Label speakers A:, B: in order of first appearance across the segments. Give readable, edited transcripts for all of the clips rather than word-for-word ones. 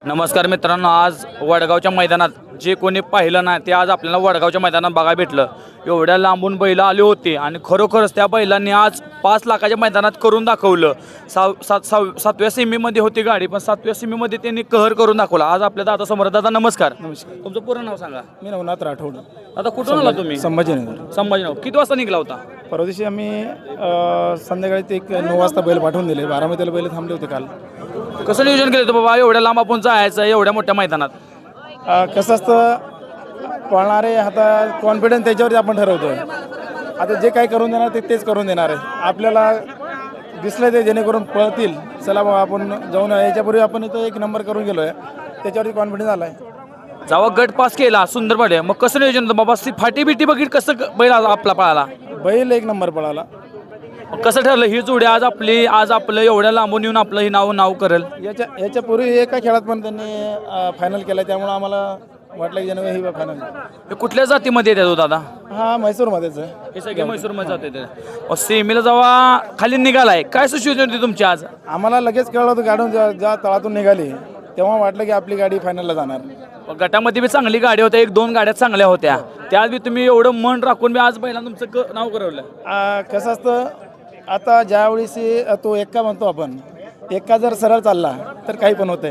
A: नमस्कार मित्रांनो, आज वडगावच्या मैदानात जे कोणी पाहिलं नाही ते आज आपल्याला वडगावच्या मैदानात बघायला भेटलं. एवढ्या लांबून बैल आली होती आणि खरोखरच त्या बैलांनी आज 5 लाखाच्या मैदानात करून दाखवलं. 7व्या सेमीमध्ये होती गाडी, पण 7व्या सेमीमध्ये त्यांनी कहर करून दाखवला. आज आपल्या दादा समोर. दादा नमस्कार.
B: नमस्कार.
A: तुमचं पूर्ण नाव सांगा.
B: मी नवनाथ राठोड.
A: आता कुठून आला तुम्ही?
B: संभाजीनगर.
A: संभाजीनगर. किती वाजता निघला होता?
B: परवा दिवशी आम्ही संध्याकाळी ते 9 वाजता बैल पाठवून दिले. 12 बैल थांबले होते काल.
A: कसं नियोजन केलं होतं बाबा, एवढ्या लांब आपण जायचं एवढ्या मोठ्या मैदानात?
B: कसं असतं, पळणारे आता कॉन्फिडन्स त्याच्यावरती आपण ठरवतो. आता जे काही करून देणार तेच करून देणार आहे. आपल्याला दिसलं ते जेणेकरून पळतील, चला बाबा आपण जाऊन याच्यापूर्वी आपण इथं 1 नंबर करून गेलो आहे, त्याच्यावरती कॉन्फिडन्स आला आहे.
A: जेव्हा गट पास केला सुंदर पाडे, मग कसं नियोजन होतं बाबा? फाटी बिटी बघित कसं बैल आपला पळाला?
B: बैल 1 नंबर पळाला.
A: कसं ठरलं ही जोडी आज आपलं एवढ्या लांबून येऊन आपलं हे नाव करेल?
B: याच्यापूर्वी एका खेळात पण त्यांनी फायनल केला, त्यामुळे आम्हाला वाटलं की ज्याने ही फायनल.
A: हे कुठल्या जातीमध्ये येतात दादा?
B: हा, म्हैसूरमध्येच आहे.
A: हे सगळे म्हैसूरमध्ये जाते. सेमीला जेव्हा खाली निघालाय, काय सिच्युएशन होती तुमची आज?
B: आम्हाला लगेच कळलं होतं गाडून ज्या तळातून निघाली तेव्हा वाटलं की आपली गाडी फायनलला जाणार.
A: गटामध्ये बी चांगली गाडी होत्या, 1-2 गाड्या चांगल्या होत्या. त्यात बी तुम्ही एवढं मन राखून बी आज बैलांना तुमचं नाव करवलं.
B: कसं असतं, आता ज्यावेळेस तो एक्का म्हणतो आपण, एक्का जर सरळ चालला तर काही पण होतंय.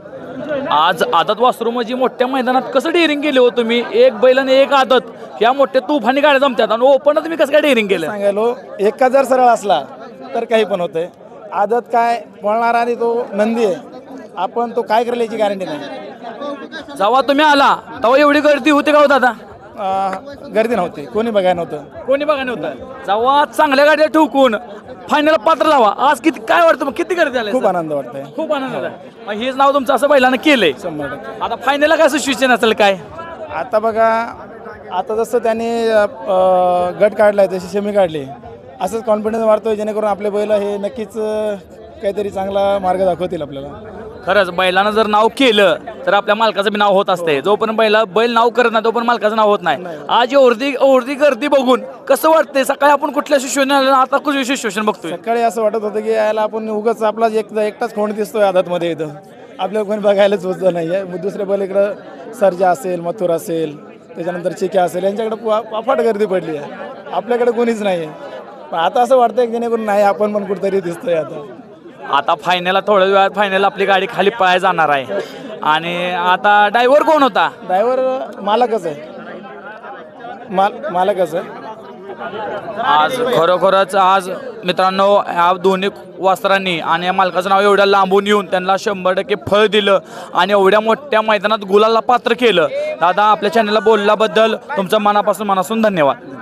A: आज आदत वासरू म्हणजे मोठ्या मैदानात कसं डेअरिंग केले हो तुम्ही? 1 बैल आणि 1 आदत, ह्या मोठ्या तुफानी गाड्या जमतात आणि ओपन तुम्ही कसं काय डेअरिंग केलं?
B: सांगायलो, एक्का जर सरळ असला तर काही पण होतंय. आदत काय पळणार आणि तो नंदी आहे, आपण तो काय करेल याची गॅरंटी नाही.
A: जेव्हा तुम्ही आला तेव्हा एवढी गर्दी होती का हो दादा?
B: गर्दी नव्हती, कोणी बघायला नव्हतं.
A: कोणी बघा नव्हतं. जेव्हा चांगल्या गाड्या ठोकून फायनल पात्र जावा, आज किती काय वाटतं मग? किती गर्दी झाली?
B: खूप आनंद वाटतंय.
A: खूप आनंद झाला. मग हेच नाव तुमचं असं बैलानं केलंय.
B: 100%.
A: आता फायनलला काय सिच्युएशन असेल काय?
B: आता बघा, आता जसं त्यांनी गट काढलाय तशी सेमी काढली, असंच कॉन्फिडन्स वाढतोय जेणेकरून आपले बैल हे नक्कीच काहीतरी चांगला मार्ग दाखवतील आपल्याला.
A: खरंच बैलानं जर नाव केलं तर आपल्या मालकाचं बी नाव होत असते. जोपर्यंत बैल नाव करत नाही तोपर्यंत मालकाचं नाव होत नाही. आज एवढी गर्दी बघून कसं वाटतंय? सकाळी आपण कुठल्या सिच्युएशन आलं, आता कुठली सिच्युएशन बघतोय?
B: सकाळी असं वाटत होतं की यायला आपण उगाच आपला एकटाच खोंड दिसतोय आदतमध्ये. इथं आपल्याला कोणी बघायलाच होतं नाही आहे. दुसऱ्या बैल इकडं सर्जा असेल, मथुर असेल, त्याच्यानंतर चिक्या असेल, यांच्याकडे अफाट गर्दी पडली आहे. आपल्याकडे कोणीच नाही आहे. पण आता असं वाटतंय की जेणेकरून नाही, आपण पण कुठेतरी दिसतोय.
A: आता फायनलला थोड्या वेळात फायनल आपली गाडी खाली पळायला जाणार आहे. आणि आता ड्रायव्हर कोण होता?
B: ड्रायव्हर मालकच आहे. मालकच आहे.
A: आज खरोखरच आज मित्रांनो, ह्या दोन्ही वासरांनी आणि या मालकाचं नाव एवढ्या लांबून येऊन त्यांना 100% फळ दिलं आणि एवढ्या मोठ्या मैदानात गुलाला पात्र केलं. दादा, आपल्या चॅनलला बोलल्याबद्दल तुमचं मनापासून धन्यवाद.